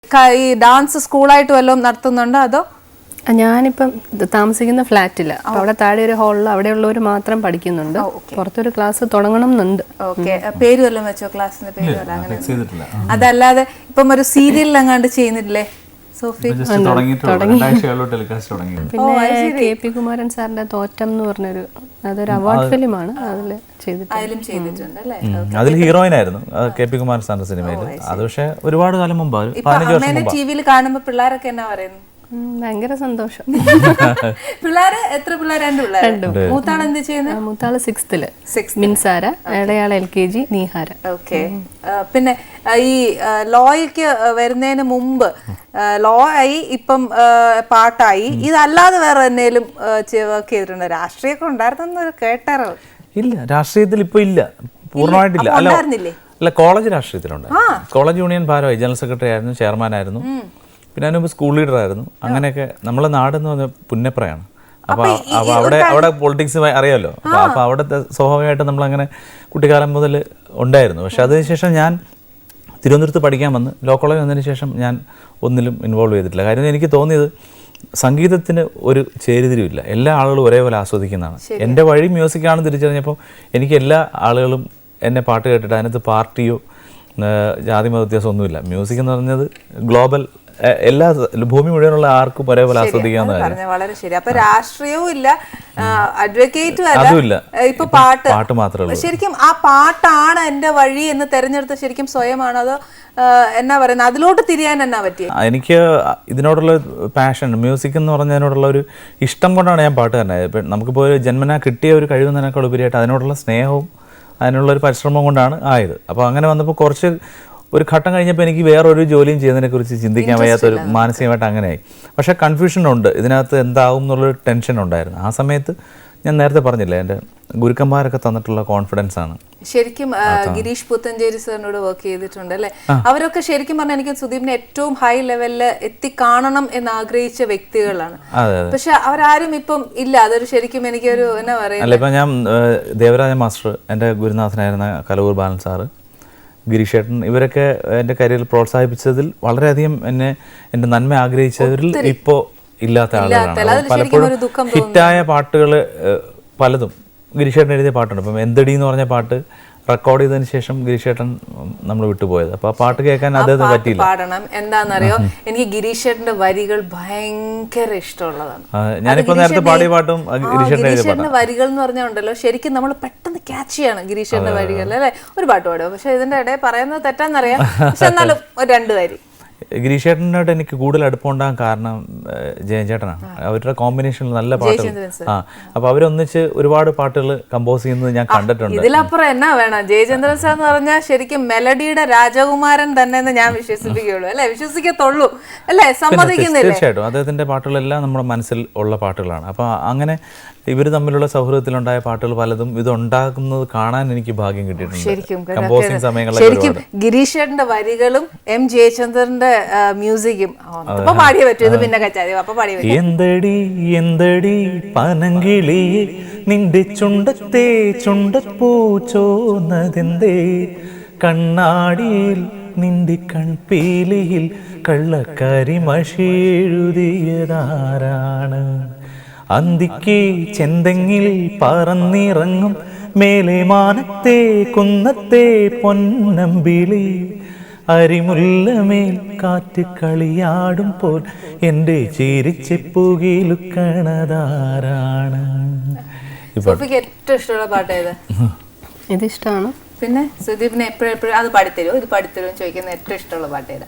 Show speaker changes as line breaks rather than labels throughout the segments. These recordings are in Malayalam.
ഈ ഡാൻസ് സ്കൂളായിട്ട് വല്ലതും നടത്തുന്നുണ്ടോ അതോ?
ഞാനിപ്പം താമസിക്കുന്ന ഫ്ലാറ്റില്ല, അപ്പൊ അവിടെ താഴെ ഒരു ഹാളിൽ അവിടെയുള്ളവർ മാത്രം പഠിക്കുന്നുണ്ട്. പുറത്തൊരു ക്ലാസ് തുടങ്ങണം എന്നുണ്ട്.
പേര് വല്ലതും വെച്ചോ? ക്ലാസ്സിന്റെ പേര് അങ്ങനെ അതല്ലാതെ ഇപ്പം ഒരു സീരിയലിൽ അങ്ങാണ്ട് ചെയ്യുന്നില്ലേ സോഫി?
പിന്നെ KP കുമാരൻ സാറിന്റെ തോറ്റം എന്ന് പറഞ്ഞൊരു അതൊരു അവാർഡ് ഫിലിമാണ്,
അതിലും ചെയ്തിട്ടുണ്ട് അല്ലേ?
അതിൽ ഹീറോയിൻ ആയിരുന്നു KP കുമാരൻ സാറിന്റെ സിനിമയിൽ. അത് പക്ഷേ ഒരുപാട് കാലം മുമ്പ്,
ടിവിയിൽ കാണുമ്പോ പിള്ളേരൊക്കെ എന്നാ പറയുന്നു?
ഭയങ്കര സന്തോഷം.
പിള്ളേര് എത്ര പിള്ളേർ? രണ്ട് പിള്ളേർ. മൂത്താൾ എന്ത് ചെയ്യുന്നത്?
മൂത്താള് 6th മിൻസാര, ഇളയാള് LKG നീഹാര.
ഓക്കെ. പിന്നെ ഈ ലോയ്ക്ക് വരുന്നതിന് മുമ്പ് ലോ ആയി, ഇപ്പം പാട്ടായി, ഇതല്ലാതെ വേറെ എന്തെങ്കിലും വർക്ക് ചെയ്തിട്ടുണ്ടോ? രാഷ്ട്രീയമൊക്കെ ഉണ്ടായിരുന്നെന്ന് കേട്ടാറോ?
ഇല്ല, രാഷ്ട്രീയത്തിൽ ഇപ്പൊ ഇല്ല, പൂർണ്ണമായിട്ടില്ല. അല്ല, കോളേജ് രാഷ്ട്രീയത്തിലുണ്ട്. കോളേജ് യൂണിയൻ ഭാരവാഹി, ജനറൽ സെക്രട്ടറി ആയിരുന്നു, ചെയർമാൻ ആയിരുന്നു, പിന്നെ അതിനുമ്പ് സ്കൂൾ ലീഡർ ആയിരുന്നു. അങ്ങനെയൊക്കെ. നമ്മളെ നാടെന്ന് പറഞ്ഞാൽ പുന്നപ്രയാണ്. അപ്പോൾ അവിടെ പൊളിറ്റിക്സ് അറിയാമല്ലോ. അപ്പോൾ അവിടുത്തെ സ്വാഭാവികമായിട്ട് നമ്മളങ്ങനെ കുട്ടിക്കാലം മുതൽ ഉണ്ടായിരുന്നു. പക്ഷെ അതിനുശേഷം ഞാൻ തിരുവനന്തപുരത്ത് പഠിക്കാൻ വന്ന് ലോ കോളേജ് വന്നതിന് ശേഷം ഞാൻ ഒന്നിലും ഇൻവോൾവ് ചെയ്തിട്ടില്ല. കാര്യം എനിക്ക് തോന്നിയത് സംഗീതത്തിന് ഒരു ചേരിതിരിവില്ല, എല്ലാ ആളുകളും ഒരേപോലെ ആസ്വദിക്കുന്നതാണ്. എൻ്റെ വഴി മ്യൂസിക്കാണെന്ന് തിരിച്ചറിഞ്ഞപ്പോൾ എനിക്ക് എല്ലാ ആളുകളും എന്നെ പാട്ട് കേട്ടിട്ട് അതിനകത്ത് പാർട്ടിയോ ജാതി മത വ്യത്യാസമൊന്നുമില്ല. മ്യൂസിക് എന്ന് പറഞ്ഞത് ഗ്ലോബൽ, എല്ലാ ഭൂമി മുഴുവനുള്ള ആർക്കും ഒരേപോലെ ആസ്വദിക്കാവുന്ന കാര്യം.
വളരെ ശരി. അപ്പൊ രാഷ്ട്രീയവും ഇല്ല, അഡ്വക്കേറ്റും അല്ല, ഇപ്പൊ പാട്ട് മാത്രമേ ഉള്ളൂ. ശരിക്കും ആ പാട്ടാണ് എന്റെ വഴി എന്ന് തെരഞ്ഞെടുത്ത ശരിക്കും സ്വയമാണോ അതോ എന്നാ പറയുന്നത്, അതിലോട്ട് തിരിയാൻ എന്നാ പറ്റിയത്?
എനിക്ക് ഇതിനോടുള്ള പാഷൻ, മ്യൂസിക് എന്ന് പറഞ്ഞതിനോടുള്ള ഒരു ഇഷ്ടം കൊണ്ടാണ് ഞാൻ പാട്ടുകാരനായത്. ഇപ്പം നമുക്കിപ്പോൾ ഒരു ജന്മനാ കിട്ടിയ ഒരു കഴിവെന്നതിനേക്കാൾ ഉപരിയായിട്ട് അതിനോടുള്ള സ്നേഹവും അതിനുള്ളൊരു പരിശ്രമം കൊണ്ടാണ് ആയത്. അപ്പോൾ അങ്ങനെ വന്നപ്പോൾ കുറച്ച് ഒരു ഘട്ടം കഴിഞ്ഞപ്പോൾ എനിക്ക് വേറൊരു ജോലിയും ചെയ്യുന്നതിനെക്കുറിച്ച് ചിന്തിക്കാൻ വയ്യാത്തൊരു മാനസികമായിട്ട് അങ്ങനെയായി. പക്ഷേ കൺഫ്യൂഷനുണ്ട്, ഇതിനകത്ത് എന്താവും എന്നുള്ളൊരു ടെൻഷൻ ഉണ്ടായിരുന്നു. ആ സമയത്ത് ഞാൻ നേരത്തെ പറഞ്ഞില്ലേ, എൻ്റെ ഗുരുക്കന്മാരൊക്കെ തന്നിട്ടുള്ള കോൺഫിഡൻസ് ആണ്.
ശരിക്കും ഗിരീഷ് പുത്തഞ്ചേരി സാറിനോട് വർക്ക് ചെയ്തിട്ടുണ്ട് അല്ലേ? അവരൊക്കെ ശരിക്കും പറഞ്ഞാൽ എനിക്ക് സുദീപിനെ ഏറ്റവും ഹൈ ലെവലിൽ എത്തിക്കാണണം എന്ന് ആഗ്രഹിച്ച വ്യക്തികളാണ്. പക്ഷെ അവരാരും ഇപ്പം ഇല്ല. അതൊരു ശരിക്കും എനിക്കൊരു എന്നാ പറയുക.
അല്ല, ഇപ്പം ഞാൻ ദേവരാജ മാസ്റ്റർ, എൻ്റെ ഗുരുനാഥനായിരുന്ന കലവൂർ ബാലൻ സാറ്, ഗിരീഷ് ഏട്ടൻ, ഇവരൊക്കെ എൻ്റെ കരിയറിൽ പ്രോത്സാഹിപ്പിച്ചതിൽ വളരെയധികം എൻ്റെ നന്മ ആഗ്രഹിച്ചവരിൽ ഇപ്പോൾ ഇല്ലാത്ത ആളുകളാണ്. പലപ്പോഴും ഹിറ്റായ പാട്ടുകൾ പലതും ഗിരീഷ് ഏട്ടൻ എഴുതിയ പാട്ടുണ്ട്. ഇപ്പം എന്തടി എന്ന് പറഞ്ഞ പാട്ട് റെക്കോർഡ് ചെയ്തതിന് ശേഷം ഗിരീഷ് ഏട്ടൻ നമ്മൾ വിട്ടുപോയത്. അപ്പൊ ആ പാട്ട് കേൾക്കാൻ അദ്ദേഹത്തിന് പറ്റിയില്ല.
പാടണം എന്താണെന്നറിയോ, എനിക്ക് ഗിരീഷ് ഏട്ടന്റെ വരികൾ ഭയങ്കര ഇഷ്ടമുള്ളതാണ്.
ഞാനിപ്പോ നേരത്തെ പാടിയ പാട്ടും
ഗിരീഷേട്ടന്റെ വരികൾ എന്ന് പറഞ്ഞാൽ ഉണ്ടല്ലോ, ശരിക്കും നമ്മൾ പെട്ടെന്ന് ക്യാച്ച് ചെയ്യാണ് ഗിരീഷേട്ടന്റെ വരികൾ അല്ലെ? ഒരു പാട്ട് പാടുമോ? പക്ഷെ ഇതിന്റെ ഇടയിൽ പറയുന്നത് തെറ്റാന്നറിയാം, പക്ഷെ എന്നാലും ഒരു 2 വരി.
ഗിരീഷ് ചേട്ടനോട് എനിക്ക് കൂടുതൽ അടുപ്പമുണ്ടാകാൻ കാരണം ജയൻ ചേട്ടനാണ്. അവരുടെ കോമ്പിനേഷനിൽ നല്ല പാട്ടുകൾ. അപ്പൊ അവരൊന്നിച്ച് ഒരുപാട് പാട്ടുകൾ കമ്പോസ് ചെയ്യുന്നത് ഞാൻ കണ്ടിട്ടുണ്ട്.
ഇതിലപ്പുറം എന്നാ വേണം? ജയചന്ദ്രൻ സാർ എന്ന് പറഞ്ഞാൽ ശരിക്കും മെലഡിയുടെ രാജകുമാരൻ തന്നെ എന്ന് ഞാൻ വിശ്വസിപ്പിക്കുകയുള്ളൂ അല്ലെ? വിശ്വസിക്കത്തുള്ളൂ അല്ലെ? സമ്മതിക്കുന്നില്ല?
തീർച്ചയായിട്ടും അദ്ദേഹത്തിന്റെ പാട്ടുകളെല്ലാം നമ്മുടെ മനസ്സിൽ ഉള്ള പാട്ടുകളാണ്. അപ്പൊ അങ്ങനെ ഇവർ തമ്മിലുള്ള സൗഹൃദത്തിലുണ്ടായ പാട്ടുകൾ പലതും ഇതുണ്ടാക്കുന്നത് കാണാൻ എനിക്ക് ഭാഗ്യം കിട്ടിയിട്ടുണ്ട്. കമ്പോസിംഗ് സമയങ്ങളിൽ
ശരിക്കും ഗിരീഷ് ചേട്ടന്റെ വരികളും M ജയചന്ദ്രന്റെ മ്യൂസിക്കും പാടിയേ പറ്റൂ. ഇത് പിന്നെ കച്ചാതി അപ്പൊ പാടിയ
എന്തടി എന്തടി പനങ്കിളി നിന്റെ ചുണ്ടത്തെ ചുണ്ടപ്പൂച്ചോന്നതെന്തേ, കണ്ണാടിയിൽ നിന്റെ കൺപീലിയിൽ കള്ളക്കരി മഷിയെഴുതിയതാരാണ്, അന്തിക്ക് ചെന്തെങ്ങിൽ പറന്നിറങ്ങും മേലെ മാനത്തെ കുന്നത്തെ പൊന്നമ്പിളി, അരിമുല്ലമേൽ കാറ്റ് കളിയാടും പോൽ എൻ്റെ ചിരിച്ചെപ്പുകിലുക്കണതാരാണ്.
ഏറ്റവും ഇഷ്ടമുള്ള പാട്ട് ഏത്?
ഇത് ഇഷ്ടമാണ്.
പിന്നെ സുദീപിനെ എപ്പോഴും അത് പാടിത്തരുമോ, ഇത് പാടിത്തരുമോ ചോദിക്കുന്ന ഏറ്റവും ഇഷ്ടമുള്ള പാട്ട് ഏതാ?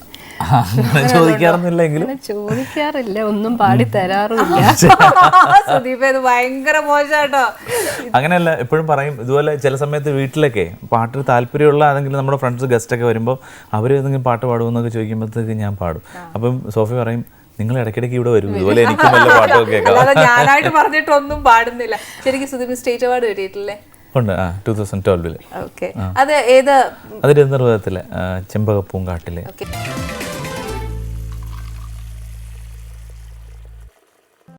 ചോദിക്കാറില്ല, ഒന്നും പാടി തരാറില്ല.
സുദീപ് ഇത് ഭയങ്കര മോശാട്ടോ.
അങ്ങനെയല്ല, എപ്പോഴും പറയും ഇതുപോലെ. ചില സമയത്ത് വീട്ടിലൊക്കെ പാട്ടിൽ താല്പര്യമുള്ള ആണെങ്കിൽ നമ്മുടെ ഫ്രണ്ട്സ് ഗസ്റ്റ് ഒക്കെ വരുമ്പോൾ അവർ ഏതെങ്കിലും പാട്ട് പാടുമെന്നൊക്കെ ചോദിക്കുമ്പോഴത്തേക്ക് ഞാൻ പാടും. അപ്പം സോഫി പറയും, നിങ്ങൾ ഇടയ്ക്കിടയ്ക്ക് ഇവിടെ വരും, ഇതുപോലെ എനിക്ക് നല്ല പാട്ടൊക്കെ കേൾക്കാം.
ഞാനായിട്ട് പറഞ്ഞിട്ടൊന്നും പാടുന്നില്ല. ശരിക്കും സുദീപ് സ്റ്റേറ്റ് അവാർഡ് കിട്ടിയിട്ടില്ലേ?
ഉണ്ട്, 2012.
അത് ഏത്?
അത് തിരുവനന്തപുരത്തിലെ ചെമ്പകപ്പൂങ്കാട്ടിലെ.